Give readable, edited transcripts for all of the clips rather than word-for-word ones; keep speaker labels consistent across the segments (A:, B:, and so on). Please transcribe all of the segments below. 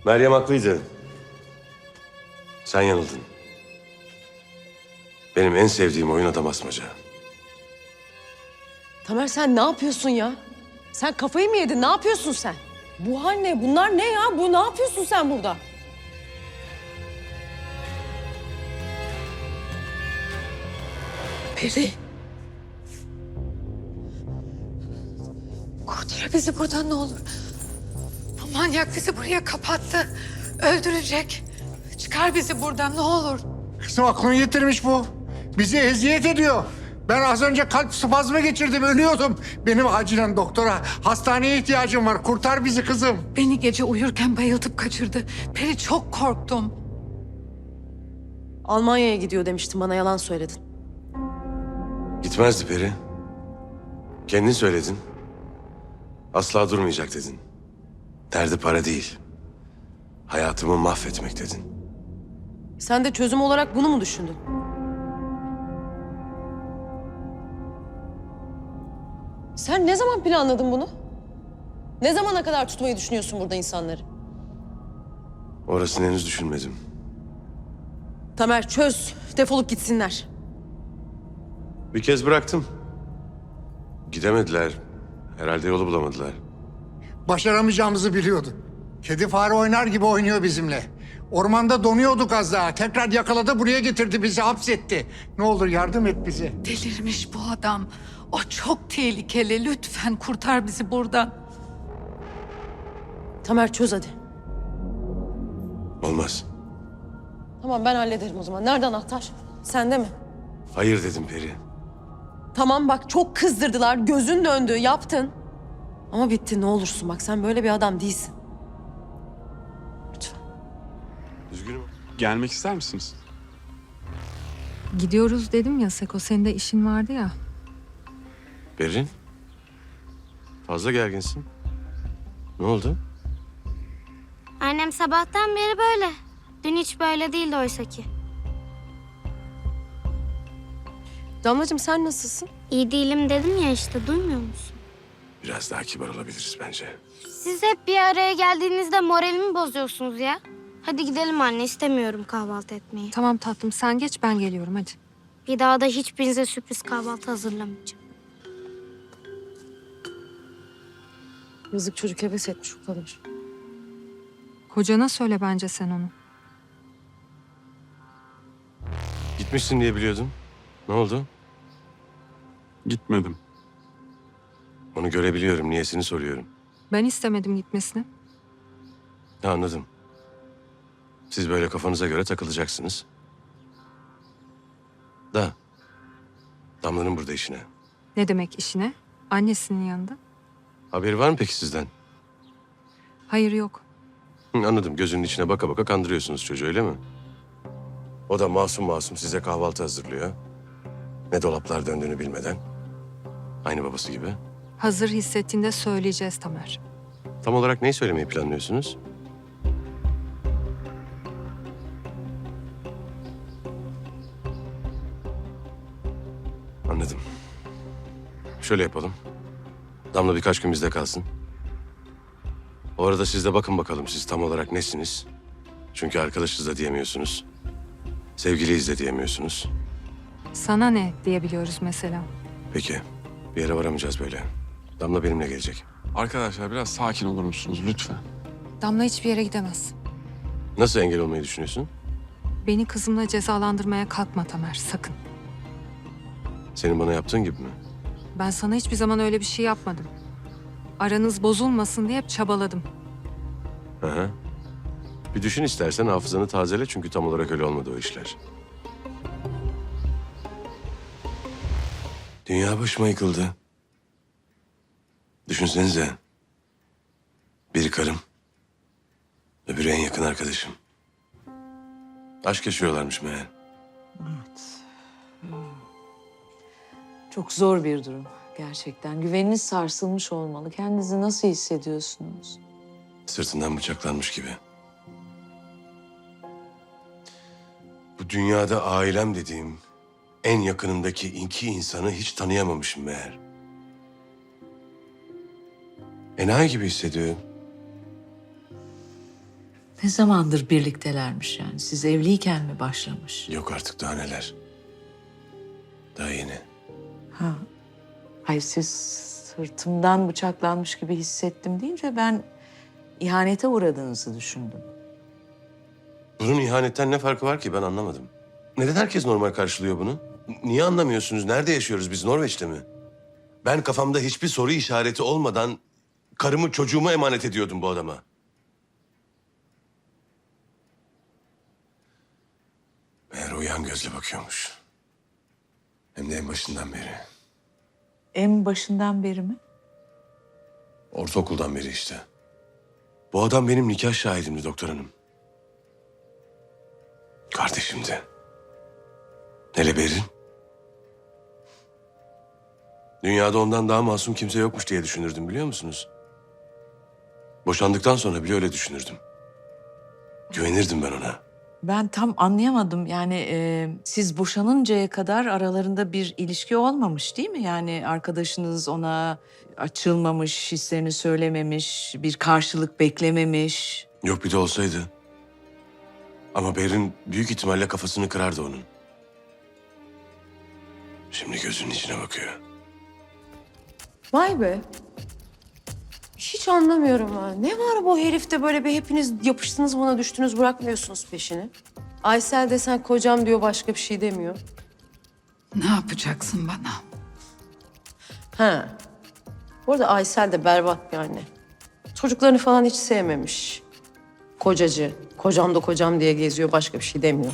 A: Meryem haklıydı. Sen yanıldın. Benim en sevdiğim oyun adam asmaca.
B: Tamer sen ne yapıyorsun ya? Sen kafayı mı yedin? Ne yapıyorsun sen? Bu hal ne? Bunlar ne ya? Ne yapıyorsun sen burada? Peri.
C: Kurtar bizi buradan ne olur. Bu manyak bizi buraya kapattı. Öldürecek. Çıkar bizi buradan ne olur.
D: Kızım aklını yitirmiş bu. Bizi eziyet ediyor. Ben az önce kalp spazmı geçirdim, ölüyordum. Benim acilen doktora, hastaneye ihtiyacım var. Kurtar bizi kızım.
C: Beni gece uyurken bayıltıp kaçırdı. Peri çok korktum.
B: Almanya'ya gidiyor demiştin bana, yalan söyledin.
A: Gitmezdi Peri. Kendin söyledin. Asla durmayacak dedin. Derdi para değil. Hayatımı mahvetmek dedin.
B: Sen de çözüm olarak bunu mu düşündün? Sen ne zaman planladın bunu? Ne zamana kadar tutmayı düşünüyorsun burada insanları?
A: Orasını henüz düşünmedim.
B: Tamer çöz, defolup gitsinler.
A: Bir kez bıraktım. Gidemediler. Herhalde yolu bulamadılar.
D: Başaramayacağımızı biliyordu. Kedi fare oynar gibi oynuyor bizimle. Ormanda donuyorduk az daha. Tekrar yakaladı, buraya getirdi bizi, hapsetti. Ne olur yardım et bize.
C: Delirmiş bu adam. O çok tehlikeli. Lütfen kurtar bizi buradan.
B: Tamer çöz hadi.
A: Olmaz.
B: Tamam ben hallederim o zaman. Nerede anahtar? Sende mi?
A: Hayır dedim Peri.
B: Tamam bak çok kızdırdılar. Gözün döndü, yaptın. Ama bitti ne olursun bak sen böyle bir adam değilsin. Lütfen.
A: Üzgünüm.
E: Gelmek ister misiniz?
F: Gidiyoruz dedim ya Seko, senin de işin vardı ya.
A: Berin. Fazla gerginsin. Ne oldu?
G: Annem sabahtan beri böyle. Dün hiç böyle değildi oysa ki.
B: Damlacığım sen nasılsın?
G: İyi değilim dedim ya işte, duymuyor musun?
A: Biraz daha kibar olabiliriz bence.
G: Siz hep bir araya geldiğinizde moralimi bozuyorsunuz ya. Hadi gidelim anne, istemiyorum kahvaltı etmeyi.
F: Tamam tatlım, sen geç, ben geliyorum hadi.
G: Bir daha da hiçbirinize sürpriz kahvaltı hazırlamayacağım.
B: Yazık çocuk heves etmiş o kadar.
F: Kocana söyle bence sen onu.
A: Gitmişsin diye biliyordum. Ne oldu?
E: Gitmedim.
A: Onu görebiliyorum. Niyesini soruyorum.
F: Ben istemedim gitmesini.
A: Ha, anladım. Siz böyle kafanıza göre takılacaksınız. Da. Damla'nın burada işine.
F: Ne demek işine? Annesinin yanında.
A: Haberi var mı peki sizden?
F: Hayır yok.
A: Anladım. Gözünün içine baka baka kandırıyorsunuz çocuğu, öyle mi? O da masum masum size kahvaltı hazırlıyor. Ne dolaplar döndüğünü bilmeden. Aynı babası gibi.
F: Hazır hissettiğinde söyleyeceğiz Tamer.
A: Tam olarak neyi söylemeyi planlıyorsunuz? Anladım. Şöyle yapalım. Damla birkaç gün bizde kalsın. O arada siz de bakın bakalım siz tam olarak nesiniz? Çünkü arkadaşız da diyemiyorsunuz. Sevgiliyiz de diyemiyorsunuz.
F: Sana ne diyebiliyoruz mesela.
A: Peki. Bir yere varamayacağız böyle. Damla benimle gelecek.
E: Arkadaşlar biraz sakin olur musunuz lütfen?
F: Damla hiçbir yere gidemez.
A: Nasıl engel olmayı düşünüyorsun?
F: Beni kızımla cezalandırmaya kalkma Tamer, sakın.
A: Senin bana yaptığın gibi mi?
F: Ben sana hiçbir zaman öyle bir şey yapmadım. Aranız bozulmasın diye hep çabaladım.
A: Hı hı. Bir düşün istersen, hafızanı tazele çünkü tam olarak öyle olmadı o işler. Dünya başıma yıkıldı. Düşünsenize. Biri karım. Öbürü en yakın arkadaşım. Aşk yaşıyorlarmış meğer.
H: Çok zor bir durum gerçekten. Güveniniz sarsılmış olmalı. Kendinizi nasıl hissediyorsunuz?
A: Sırtından bıçaklanmış gibi. Bu dünyada ailem dediğim en yakınımdaki iki insanı hiç tanıyamamışım meğer. Enayi gibi hissediyorum.
H: Ne zamandır birliktelermiş yani? Siz evliyken mi başlamış?
A: Yok artık daha neler. Daha yeni.
H: Ha. Hayır, siz sırtımdan bıçaklanmış gibi hissettim deyince ben ihanete uğradığınızı düşündüm.
A: Bunun ihanetten ne farkı var ki ben anlamadım. Neden herkes normal karşılıyor bunu? Niye anlamıyorsunuz? Nerede yaşıyoruz biz? Norveç'te mi? Ben kafamda hiçbir soru işareti olmadan karımı çocuğumu emanet ediyordum bu adama. Meğer o yan gözle bakıyormuş. Hem de en başından beri.
H: En başından beri mi?
A: Ortaokuldan beri işte. Bu adam benim nikah şahidimdi doktor hanım. Kardeşimdi. Hele Berin. Dünyada ondan daha masum kimse yokmuş diye düşünürdüm biliyor musunuz? Boşandıktan sonra bile öyle düşünürdüm. Güvenirdim ben ona.
H: Ben tam anlayamadım. Yani siz boşanıncaya kadar aralarında bir ilişki olmamış değil mi? Yani arkadaşınız ona açılmamış, hislerini söylememiş, bir karşılık beklememiş.
A: Yok bir de olsaydı. Ama Berin büyük ihtimalle kafasını kırardı onun. Şimdi gözünün içine bakıyor.
B: Vay be. Hiç anlamıyorum ha. Ne var bu herifte böyle bir hepiniz yapıştınız buna düştünüz bırakmıyorsunuz peşini. Aysel desen kocam diyor başka bir şey demiyor.
C: Ne yapacaksın bana?
B: Ha. Bu arada Aysel de berbat bir anne. Çocuklarını falan hiç sevmemiş. Kocacı, kocam da kocam diye geziyor başka bir şey demiyor.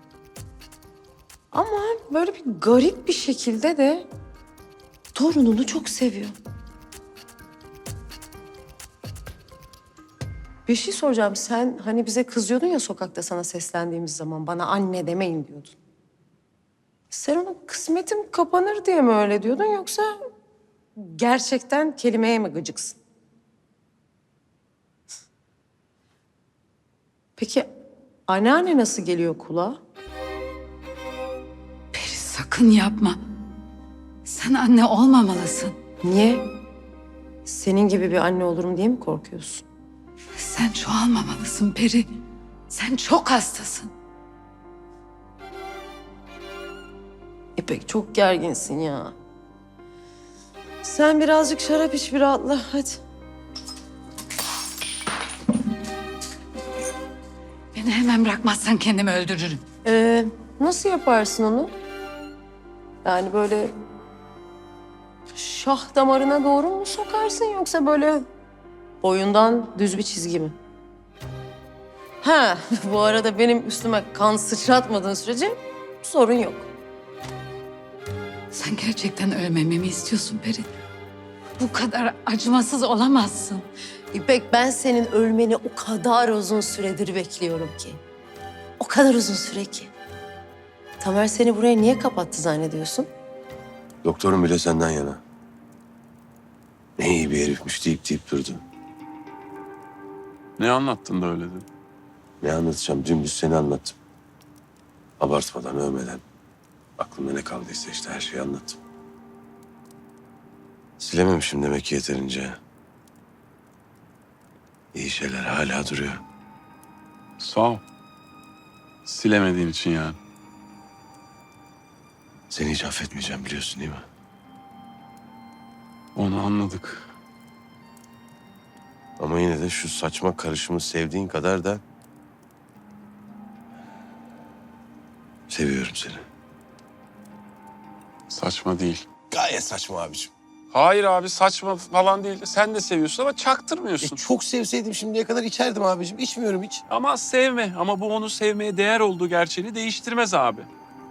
B: Ama böyle bir garip bir şekilde de torununu çok seviyor. Bir şey soracağım. Sen hani bize kızıyordun ya sokakta sana seslendiğimiz zaman bana anne demeyin diyordun. Sen ona kısmetim kapanır diye mi öyle diyordun yoksa gerçekten kelimeye mi gıcıksın? Peki anneanne nasıl geliyor kulağa?
C: Peri sakın yapma. Sen anne olmamalısın.
B: Niye? Senin gibi bir anne olurum diye mi korkuyorsun?
C: Sen çoğalmamalısın Peri. Sen çok hastasın.
B: İpek çok gerginsin ya. Sen birazcık şarap iç bir rahatla hadi.
C: Beni hemen bırakmazsan kendimi öldürürüm.
B: Nasıl yaparsın onu? Yani böyle şah damarına doğru mu sokarsın yoksa böyle boyundan düz bir çizgi mi? Ha, bu arada benim üstüme kan sıçratmadığın sürece sorun yok.
C: Sen gerçekten ölmemi mi istiyorsun Peri? Bu kadar acımasız olamazsın.
B: İpek ben senin ölmeni o kadar uzun süredir bekliyorum ki. O kadar uzun süre ki. Tamer seni buraya niye kapattı zannediyorsun?
A: Doktorun bile senden yana. Ne iyi bir herifmiş deyip durdu.
E: Ne anlattın da öyle dedin?
A: Ne anlatacağım? Dümdüz seni anlattım. Abartmadan, övmeden. Aklımda ne kaldıysa işte her şeyi anlattım. Silememişim demek ki yeterince. İyi şeyler hala duruyor.
E: Sağ ol. Silemediğin için yani.
A: Seni hiç affetmeyeceğim biliyorsun değil mi?
E: Onu anladık.
A: Ama yine de şu saçma karışımı sevdiğin kadar da... seviyorum seni.
E: Saçma değil.
A: Gayet saçma abiciğim.
E: Hayır abi saçma falan değil. Sen de seviyorsun ama çaktırmıyorsun.
A: Çok sevseydim şimdiye kadar içerdim abiciğim. İçmiyorum hiç.
E: Ama sevme. Ama bu onu sevmeye değer olduğu gerçeğini değiştirmez abi.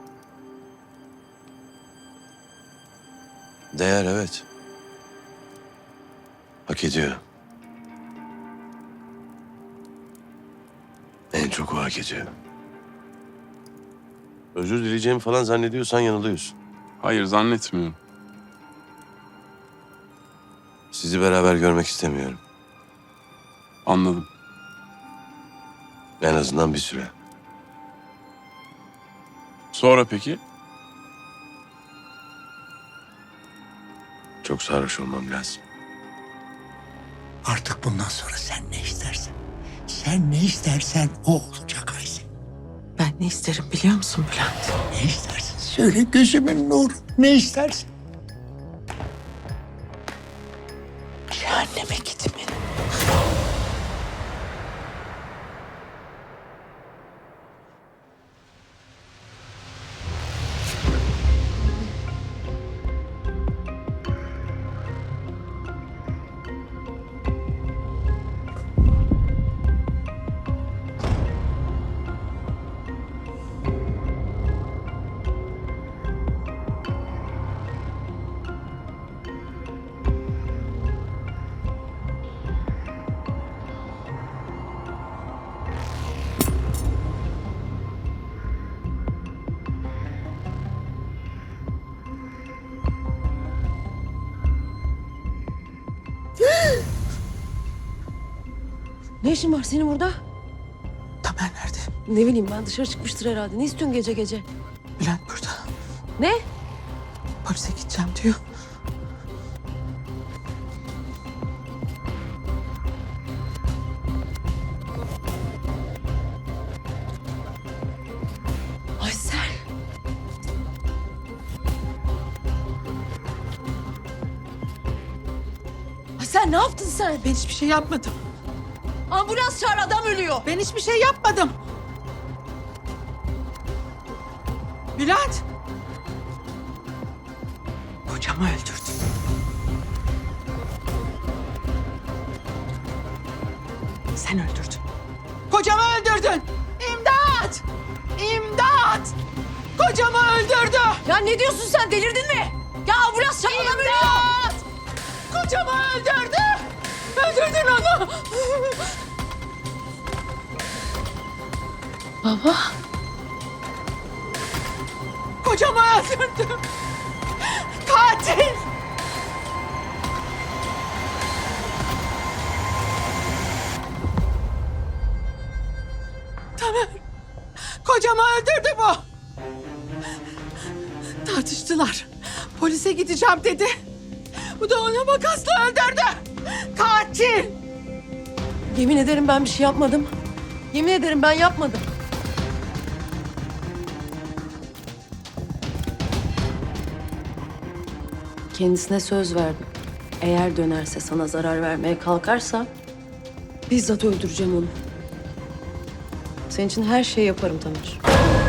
A: Değer evet. Hak ediyor. En çok o hak ediyor. Özür dileyeceğimi falan zannediyorsan yanılıyorsun.
E: Hayır zannetmiyorum.
A: Sizi beraber görmek istemiyorum.
E: Anladım.
A: En azından bir süre.
E: Sonra peki?
A: Çok sarhoş olmam lazım.
D: Artık bundan sonra sen ne istersen. Sen ne istersen o olacak Aysel.
H: Ben ne isterim biliyor musun Bülent?
D: Ne istersin? Söyle gözümün nuru. Ne istersin?
H: Cehenneme gitmeni.
B: Ne işin var senin burada?
H: Tamer nerede?
B: Ne bileyim ben, dışarı çıkmıştır herhalde. Ne istiyorsun gece gece?
H: Bülent burada.
B: Ne?
H: Polise gideceğim diyor.
B: Aysel. Aysel ne yaptın sen?
C: Ben hiçbir şey yapmadım.
B: Ambulans çağır, adam ölüyor.
C: Ben hiçbir şey yapmadım. Bülent. Kocamı öldürdün. Sen öldürdün. Kocamı öldürdün. İmdat! İmdat! Kocamı öldürdü.
B: Ya ne diyorsun sen, delirdin mi? Ya ambulans çağır, adam ölüyor.
C: İmdat! Kocamı öldürdü. Öldürdün onu.
B: Baba.
C: Kocamı öldürdü. Katil. Tamer. Kocamı öldürdü bu. Tartıştılar. Polise gideceğim dedi. Bu da onu makasla öldürdü. Katil.
B: Yemin ederim ben bir şey yapmadım. Yemin ederim ben yapmadım. Kendisine söz verdim. Eğer dönerse, sana zarar vermeye kalkarsa bizzat öldüreceğim onu. Senin için her şeyi yaparım Tamer.